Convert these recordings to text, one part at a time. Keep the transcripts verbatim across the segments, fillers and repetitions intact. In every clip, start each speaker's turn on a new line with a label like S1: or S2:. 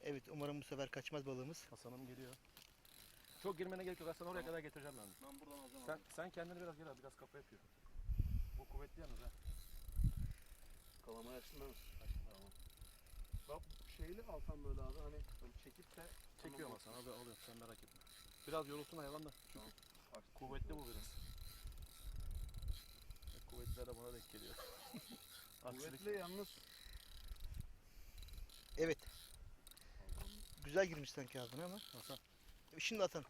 S1: Evet, umarım bu sefer kaçmaz balığımız.
S2: Hasan'ım geliyor. Çok girmene gerek yok. Hasan oraya kadar getireceğim ben.
S3: Ben buradan alacağım
S2: Sen,
S3: abi.
S2: sen kendini biraz gel abi. Biraz kafa yapıyor. Bu kuvvetli yalnız ha.
S3: Kalamaya açtın değil mi? Tamam. Bak şeyli alsam böyle abi hani böyle çekip de
S2: Çekiyorum Hasan. Abi alıyorum. Sen merak etme. Biraz yorulsun hayvan da. Çünkü
S3: Tamam.
S2: kuvvetli bu biraz. E, Kuvvetliler de bana denk geliyor. Aksilik.
S3: Kuvvetli yalnız.
S1: Evet. Güzel girmiş sanki ağzına ama.
S2: Hasan.
S1: Şimdi atan.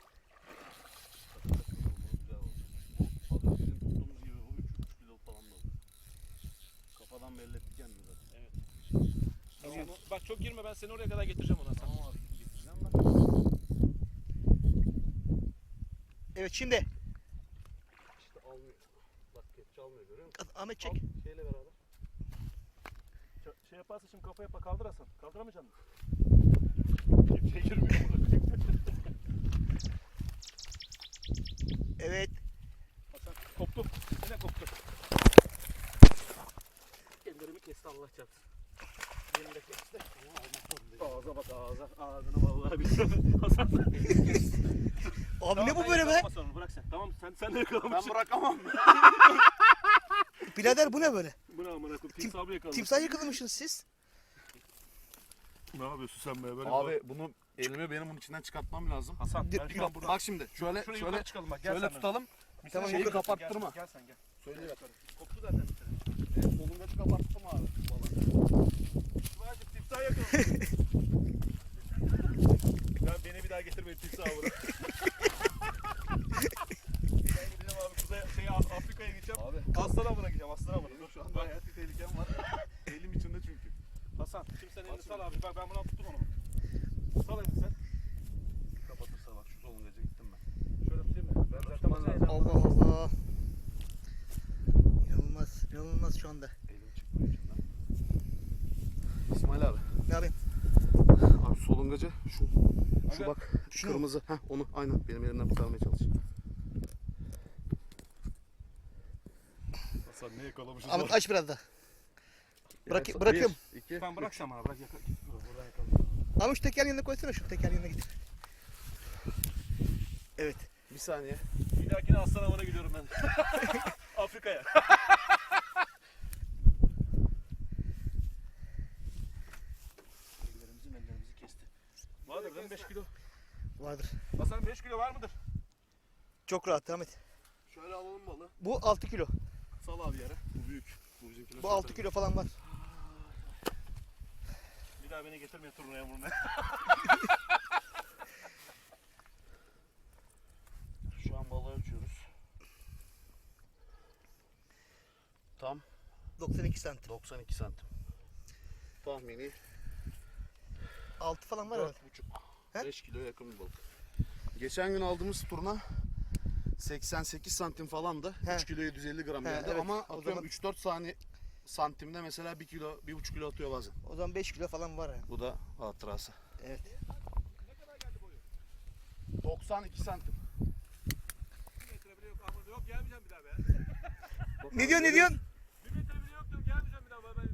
S3: Güzel oldu. Az önce bizim tuttuğumuz gibi o üç üç kilo falan da oldu. Kafadan belli ettik kendini zaten.
S2: Evet.
S1: Geliyor.
S2: Tamam, bak çok girme, ben seni oraya kadar getireceğim ona.
S3: Tamam abi getireceğim ben.
S1: Evet, şimdi.
S3: İşte almıyor. Bak kepçe almıyor görüyor musun?
S1: Ahmet çek.
S3: Al, şeyle beraber.
S2: Şey yaparsa şimdi kafa yapa kaldır Hasan. Kaldıramayacaksın mı?
S3: Kepçeye girmiyor burada.
S1: Evet.
S2: Hasan koptu. Yine koptu. Ellerimi kesti Allah çarpsın. Beni de kesti. Ağza bak ağza. Ağzını vallahi bir. Hasan.
S1: Abi ne bu böyle be?
S2: Sonra, bırak sen. Tamam sen sen de yakalamışsın.
S3: Ben bırakamam.
S1: Birader bu ne böyle?
S2: Bu ne amına koyayım?
S1: Tim-
S2: Timsahı yakalamış.
S1: Timsah yakalamışsınız siz.
S2: Ne yapıyorsun sen be? Böyle
S3: Abi bunu elimi benim bunun içinden çıkartmam lazım.
S2: Hasan
S1: Dur,
S2: ben
S1: dur.
S2: şu an buradan.
S3: Bak şimdi şöyle
S2: Şuraya
S3: şöyle
S2: yukarı çıkalım bak. Gel
S3: şöyle
S2: sen
S3: tutalım.
S2: ben.
S1: Tamam,
S3: Şeyi
S1: yukarı-
S3: kapattırma.
S2: Gel, gel sen gel.
S3: Söyle
S2: Gel
S3: bak.
S2: yukarı. Koptu zaten bir tane.
S3: Evet, solungacı kapattım abi.
S2: Tuba'cığım timsah yakalamış. Ya beni bir daha getirmeyin timsahı buraya. Ben gideceğim abi kuzey şey Afrika'ya gideceğim.
S3: Abi
S2: Aslan'a bırakacağım aslan'a bırakacağım.
S3: benim şu anda
S2: Bak.
S3: hayati tehlikem var. Elim içinde çünkü.
S2: Hasan şimdi sen elini
S3: Bak
S2: sal abi. Bak ben buradan tuttum onu. Sal elini sen.
S3: Kapatırsa bak şu solungaca gittim ben.
S2: Şöyle tutayım mı? Ben zaten
S3: Tutman
S2: masaya
S3: lazım.
S1: Allah Allah. İnanılmaz, inanılmaz şu anda.
S3: Elim çıkmıyor içinden. İsmail abi.
S1: Ne yapayım?
S3: Abi solungacı şu şu
S2: Aga,
S3: bak
S1: şu mu?
S3: kırmızı. Heh onu aynen benim elimden kurtarmaya çalış.
S2: Hasan ne yakalamışız
S1: Ahmet aç biraz daha. Bırak-
S3: Evet,
S1: bırakıyorum.
S3: bir, iki,
S2: Tamam bırak
S3: üç.
S2: sen bana bırak yakala. Buradan yakala.
S1: Ahmet şu teker yanına koysana, şu teker yanına git. Evet.
S3: Bir saniye.
S2: Bir dahakine aslan avına gidiyorum ben. Afrika'ya. Ellerimizi ellerimizi kesti. Vardır değil mi beş kilo?
S1: Vardır.
S2: Hasan beş kilo var mıdır?
S1: Çok rahat Ahmet.
S3: Şöyle alalım balı.
S1: Bu altı kilo.
S3: Sal abi yere. Bu büyük. Bu bizimkiler.
S1: Bu altı kilo falan var.
S2: Bir daha beni getirmeyin turnuvaya burnuna.
S3: Şu an balığı ölçüyoruz. Tam
S1: doksan iki santim.
S3: doksan iki santim. Tahmini
S1: altı falan var herhalde.
S3: dört buçuk
S1: He?
S3: beş kilo yakın bir balık. Geçen gün aldığımız turna seksen sekiz santim falandı.
S1: He.
S3: üç kilo yedi yüz elli gram
S1: He,
S3: geldi
S1: evet.
S3: ama
S1: O
S3: atıyorum
S1: zaman-
S3: üç dört saniye santimde mesela bir kilo, bir buçuk kilo atıyor bazen.
S1: O zaman beş kilo falan var yani.
S3: Bu da hatırası.
S1: Evet.
S3: doksan iki santim.
S2: Bir metre bile yok Ahmet. Yok gelmeyeceğim bir daha be.
S1: Ne diyorsun, ne diyorsun?
S2: Bir metre bile yok diyorum gelmeyeceğim bir daha. Ben